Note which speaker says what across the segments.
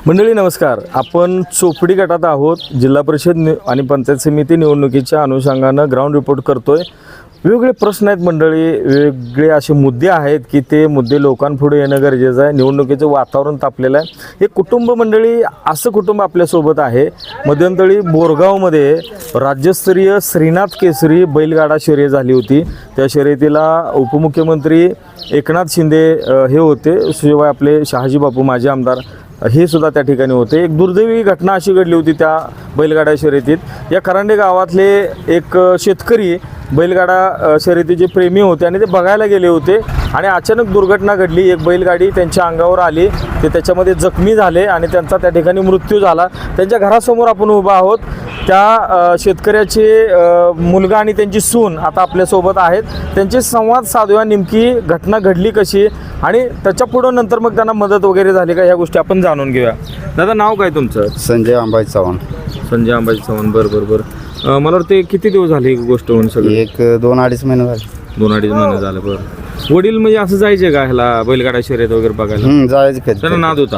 Speaker 1: मंडळी नमस्कार. आपण चोपडी गटात आहोत. जिल्हा परिषद आणि पंचायत समिती निवडणुकीच्या अनुषंगानं ग्राउंड रिपोर्ट करतोय. वेगवेगळे प्रश्न आहेत मंडळी, वेगवेगळे असे मुद्दे आहेत की ते मुद्दे लोकांपुढे येणं गरजेचं आहे. निवडणुकीचं वातावरण तापलेलं आहे. एक कुटुंब मंडळी, असं कुटुंब आपल्यासोबत आहे. मध्यंतरी बोरगावमध्ये राज्यस्तरीय श्रीनाथ केसरी बैलगाडा शर्यत झाली होती. त्या शर्यतीला उपमुख्यमंत्री एकनाथ शिंदे हे होते, शिवाय आपले शहाजी बापू माजी आमदार हे सुद्धा त्या ठिकाणी होते. एक दुर्दैवी घटना अशी घडली होती त्या बैलगाडा शर्यतीत. या खरांडे गावातले एक शेतकरी बैलगाडा शर्यतीचे प्रेमी होते आणि ते बघायला गेले होते आणि अचानक दुर्घटना घडली. एक बैलगाडी त्यांच्या अंगावर आली, ते त्याच्यामध्ये जखमी झाले आणि त्यांचा त्या ठिकाणी मृत्यू झाला. त्यांच्या घरासमोर आपण उभा आहोत. त्या शेतकऱ्याचे मुलगा आणि त्यांची सून आता आपल्यासोबत आहेत. त्यांचे संवाद साधूया, नेमकी घटना घडली कशी आणि त्याच्या पुढं नंतर मग त्यांना मदत वगैरे झाली का, ह्या गोष्टी आपण जाणून घेऊया. दादा, नाव काय तुमचं?
Speaker 2: संजय अंबाजी चव्हाण.
Speaker 1: संजय अंबाजी चव्हाण. बरं. मला वाटतं किती दिवस झाले ही गोष्ट होऊन? सगळी
Speaker 2: एक 2-2.5 महिने झाले.
Speaker 1: 2-2.5 महिने झाले. बरं. वडील म्हणजे असं जायचे का ह्याला बैलगाडा शर्यत वगैरे बघायला?
Speaker 2: जायचं कधी
Speaker 1: त्यांना नाद होता.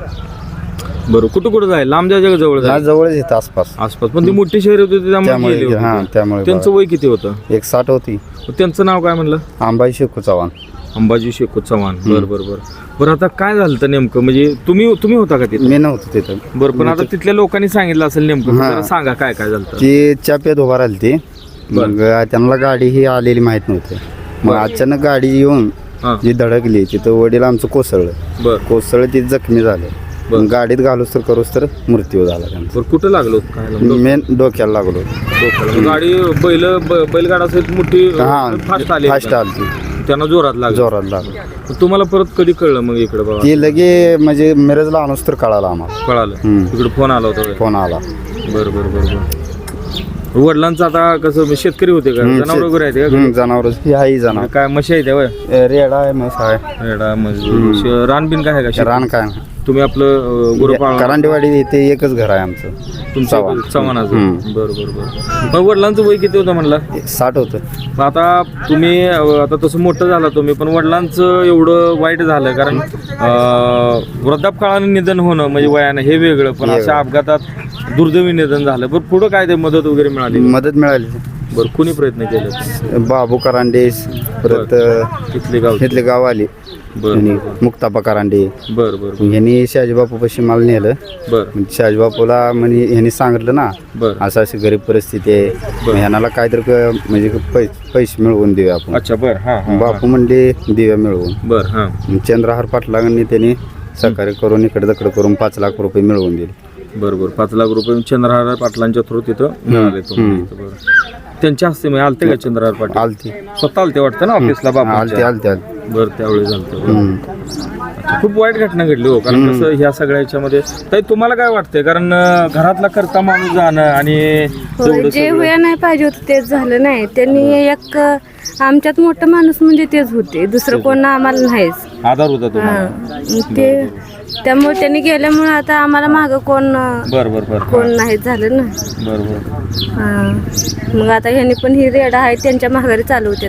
Speaker 1: बरं. कुठं जाय? लांब जायचं का जवळ जाय?
Speaker 2: जवळच येतं आसपास.
Speaker 1: पण ती मोठी शर्यत होती त्यामुळे गेले होते.
Speaker 2: त्यामुळे
Speaker 1: त्यांचं वय किती होतं?
Speaker 2: 160 होती.
Speaker 1: त्यांचं नाव काय म्हणलं?
Speaker 2: अंबाजी शेखू चव्हाण.
Speaker 1: अंबाजी शेखू चव्हाण. बरं. आता काय झालं तर नेमकं, म्हणजे तुम्ही होता का तिथे?
Speaker 2: मी नव्हतो तिथं.
Speaker 1: बरं. पण आता तिथल्या लोकांनी सांगितलं असेल नेमकं, जरा सांगा काय झालं.
Speaker 2: ती चाप्यात उभा राहिली ती. मग त्यांना गाडी ही आलेली माहित नव्हती. मग अचानक गाडी येऊन जी धडकली तिथं वडील आमचं कोसळलं. ती जखमी झाले. गाडीत घालूस तर मृत्यू झाला त्यांचा.
Speaker 1: कुठं लागलो?
Speaker 2: मेन डोक्याला लागलो.
Speaker 1: गाडी बैलगाडा मोठी फास्ट आली. त्यांना जोरात लागलं. तुम्हाला परत कधी कळलं मग इकडे? बाबा
Speaker 2: ती लगे म्हणजे मिरजला आणूस तर कळालं आम्हाला.
Speaker 1: कळालं इकडे फोन आला होता.
Speaker 2: फोन आला.
Speaker 1: बरं. वडिलांचं आता कसं, शेतकरी होते का? जनावर वगैरे आहेत का?
Speaker 2: जनावर ही जनावर
Speaker 1: काय म्हशी आहे त्या?
Speaker 2: रेडा आहे, म्हैस आहे.
Speaker 1: रेडा रानबीन काय आहे का?
Speaker 2: रान काय
Speaker 1: तुम्ही आपलं गुरुपाळ
Speaker 2: करांडेवाडी इथे एकच घर आहे आमचं.
Speaker 1: तुमचं चव्हाणाचं? बरं. मग वडिलांचं वय किती होतं म्हणला?
Speaker 2: 60 होतं.
Speaker 1: आता तुम्ही आता तसं मोठं झाला तुम्ही, पण वडिलांचं एवढं वाईट झालं कारण वृद्धापकाळाने निधन होणं म्हणजे वयानं हे वेगळं, पण अशा अपघातात दुर्दैवी निधन झालं. पण पुढं काय ते मदत वगैरे मिळाली?
Speaker 2: मदत मिळाली.
Speaker 1: बरं. कुणी प्रयत्न केले?
Speaker 2: बाबू करांडे, परत तिथले गाव आले. मुक्ताबा करांडे.
Speaker 1: बरं.
Speaker 2: ह्यांनी शहाजीबापू पाशी मला नेलं. शहाजीबापूला म्हणजे ह्यांनी सांगितलं ना, असं अशी गरीब परिस्थिती आहे, ह्याला काहीतरी म्हणजे पैसे मिळवून देऊया आपण.
Speaker 1: अच्छा. बरं.
Speaker 2: बापू म्हणले देऊया मिळवून.
Speaker 1: बरं.
Speaker 2: चंद्रहार पाटलांनी त्यांनी सहकार्य करून इकडे तिकडे करून 5 लाख रुपये मिळवून दिले.
Speaker 1: बरोबर. 5 लाख रुपये चंद्रहार पाटलांच्या थ्रू तिथं मिळाले. त्यांच्या हस्ते म्हणजे आलते का चंद्रहार पाटील?
Speaker 2: आलती.
Speaker 1: स्वतः आलते वाटतं ना ऑफिसला?
Speaker 2: आलते.
Speaker 1: बरं. त्यावेळी झालं. खूप वाईट घटना घडली हो. कारण कसं ह्या सगळ्याच्यामध्ये ताई तुम्हाला काय वाटतंय? कारण घरातला करता माणूस जाणं आणि
Speaker 3: जे व्हायला नाही पाहिजे होतं तेच झालं नाही. त्यांनी एक आमच्यात मोठं माणूस म्हणजे तेच होते, दुसरं कोण आम्हाला नाहीच.
Speaker 1: आधार होता तुम्हाला.
Speaker 3: ते त्यामुळे त्यांनी गेल्यामुळे आता आम्हाला मागं कोण नाही झालं ना.
Speaker 1: बरोबर.
Speaker 3: मग आता ह्यांनी पण ही रेडा आहे त्यांच्या माघारी चालवते.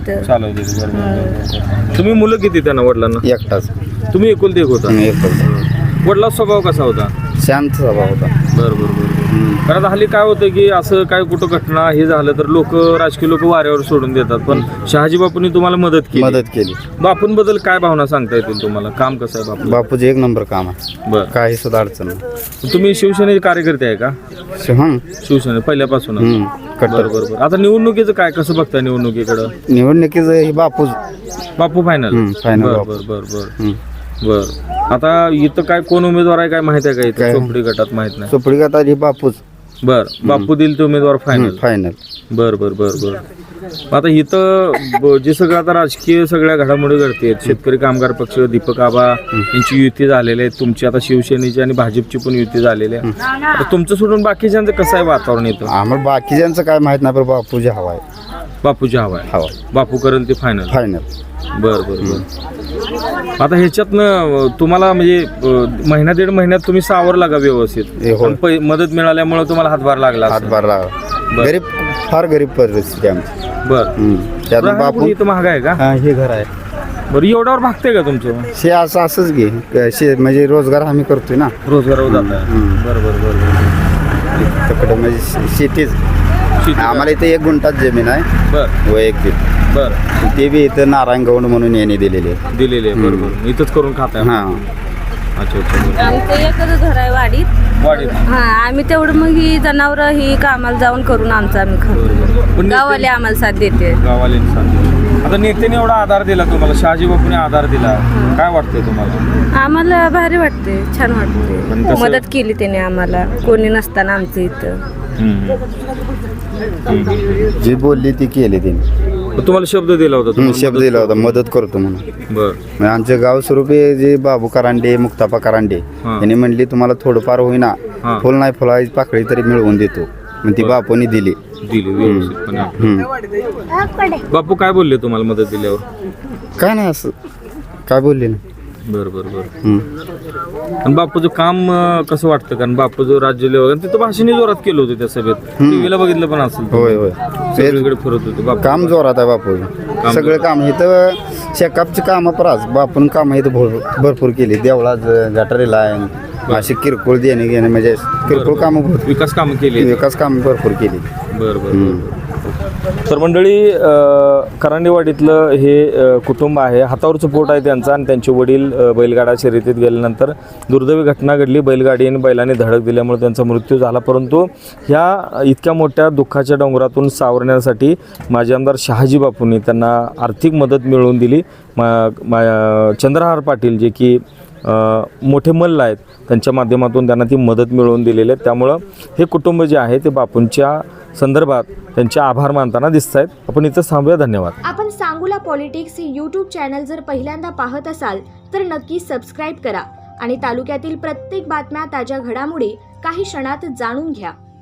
Speaker 1: तुम्ही मुलं किती त्यांना? वडिलांना
Speaker 2: एकटाच.
Speaker 1: तुम्ही एकुलते एक होता? वडिला स्वभाव कसा होता?
Speaker 2: शांत स्वभाव होता.
Speaker 1: बरोबर. कारण हल्ली काय होतं की असं काय कुठं घटना हे झालं तर राजकीय लोक वाऱ्यावर सोडून देतात, पण शहाजी बापूंनी तुम्हाला मदत केली. बापूंबद्दल काय भावना सांगता येतील तुम्हाला? काम कसं आहे
Speaker 2: बापूचं? एक नंबर काम आहे.
Speaker 1: बरं.
Speaker 2: काही सुद्धा अडचण नाही.
Speaker 1: तुम्ही शिवसेनेचे कार्यकर्ते आहे का? शिवसेने पहिल्यापासून? बरोबर. आता निवडणुकीचं काय कसं बघताय?
Speaker 2: निवडणुकीचं हे
Speaker 1: बापू फायनल. बर. आता इथं काय कोण उमेदवार आहे काय माहित आहे का? इथं चोपडी गटात माहित नाही.
Speaker 2: चोपडी गटात ही बापूच.
Speaker 1: बापू दिल ते उमेदवार फायनल. बर. आता इथं जे सगळं आता राजकीय सगळ्या घडामोडी घडते, शेतकरी कामगार पक्ष, दीपक आबा यांची युती झालेली आहे. तुमची आता शिवसेनेची आणि भाजपची पण युती झालेली आहे. आता तुमचं सोडून बाकीच्यांचं कसं आहे वातावरण इथं?
Speaker 2: आम्हाला बाकीच्यांचं काय माहित नाही, पण बापूजी हवा आहे.
Speaker 1: बापूची हवा आहे. बापू करेल ते फायनल. बर. आता ह्याच्यातनं तुम्हाला म्हणजे महिना 1.5 महिन्यात तुम्ही सावरला का व्यवस्थित? मदत मिळाल्यामुळे तुम्हाला हातभार लागला?
Speaker 2: गरीब, फार गरीब परिस्थिती आमची.
Speaker 1: बरं.
Speaker 2: त्यात बापू
Speaker 1: इथं महाग आहे का?
Speaker 2: हे घर आहे.
Speaker 1: बरं एवढ्यावर भागते का तुमचं
Speaker 2: शे असंच घे म्हणजे रोजगार आम्ही करतोय ना
Speaker 1: रोजगारावर जात आहे बरं
Speaker 2: तिकडं म्हणजे शेतीच आम्हाला इथे 1 गुंठात जमीन आहे
Speaker 1: बरं
Speaker 2: वैयक्तिक.
Speaker 1: बरं
Speaker 2: ते बी इथं नारायण गौंड म्हणून यांनी दिलेले आहे.
Speaker 1: दिलेले आहे बरोबर इथंच करून खाताय
Speaker 2: हां
Speaker 1: अच्छा अच्छा
Speaker 3: आमचं एकच घर आहे वाडीत.
Speaker 1: वाढीत
Speaker 3: हा आम्ही तेवढं मग ही जनावरं ही कामाला जाऊन करून आमचं आम्ही खातो.
Speaker 1: पण
Speaker 3: गावाले आम्हाला साथ देते.
Speaker 1: गावाला सांगतो आता नेत्याने एवढा आधार दिला तुम्हाला शहाजी बापूने आधार दिला काय वाटतंय तुम्हाला
Speaker 3: आम्हाला भारी वाटते छान वाटते
Speaker 1: पण कसं-
Speaker 3: मदत केली त्याने आम्हाला कोणी नसताना आमचं इथं.
Speaker 2: जी बोलली ती केली त्यांनी.
Speaker 1: तुम्हाला शब्द दिला होता तुम्हाला
Speaker 2: शब्द दिला होता मदत करतो म्हणून.
Speaker 1: बर
Speaker 2: म्हणजे आमचे गाव स्वरूपी जे बाबू करांडे मुक्तापा करांडे
Speaker 1: हां.
Speaker 2: यांनी म्हणली तुम्हाला थोडंफार होईना
Speaker 1: हां.
Speaker 2: फुल नाही फुलाची पाकळी तरी मिळवून देतो मग ती बापूनी दिली.
Speaker 1: दिली व्यवस्थितपणे
Speaker 2: हम्म.
Speaker 1: बापू काय बोलले तुम्हाला मदत दिल्यावर
Speaker 2: काय नाही असं काय बोलले ना.
Speaker 1: बर बर बर
Speaker 2: हम्म.
Speaker 1: आणि बापूचं काम कसं वाटतं कारण बापू जो राज्य लेवल तिथं भाषणी जोरात केलं होतं त्या सभेत टीव्हीला बघितलं पण असेल
Speaker 2: होय होय
Speaker 1: सगळीकडे फिरत होते बापू
Speaker 2: काम जोरात आहे बापू सगळं काम इथं शेकापची कामं पराच बापून कामं इथं भरपूर केली देवळात गटारीला आहे अशी किरकोळ देणे घेणे म्हणजे किरकोळ कामं भरपूर
Speaker 1: विकास कामं केली
Speaker 2: विकास कामं भरपूर केली.
Speaker 1: बर बर तर मंडळी करंडेवाडीतलं हे कुटुंब आहे हातावरचं पोट आहे त्यांचं आणि त्यांचे वडील बैलगाडा शर्यतीत गेल्यानंतर दुर्दैवी घटना घडली बैलगाडी आणि बैलाने धडक दिल्यामुळे त्यांचा मृत्यू झाला परंतु ह्या इतक्या मोठ्या दुःखाच्या डोंगरातून सावरण्यासाठी माजी आमदार शहाजी बापूंनी त्यांना आर्थिक मदत मिळवून दिली. चंद्रहार पाटील जे की मोठे मल्ल आहेत त्यांच्या माध्यमातून त्यांना ती मदत मिळवून दिलेली आहे त्यामुळं हे कुटुंब जे आहे ते बापूंच्या संदर्भात त्यांचे आभार मानताना दिसत आहेत. आपण इथं थांबूया. धन्यवाद.
Speaker 4: आपण सांगोला पॉलिटिक्स हे यूट्यूब चॅनल जर पहिल्यांदा पाहत असाल तर नक्की सबस्क्राईब करा आणि तालुक्यातील प्रत्येक बातम्या ताज्या घडामोडी काही क्षणात जाणून घ्या.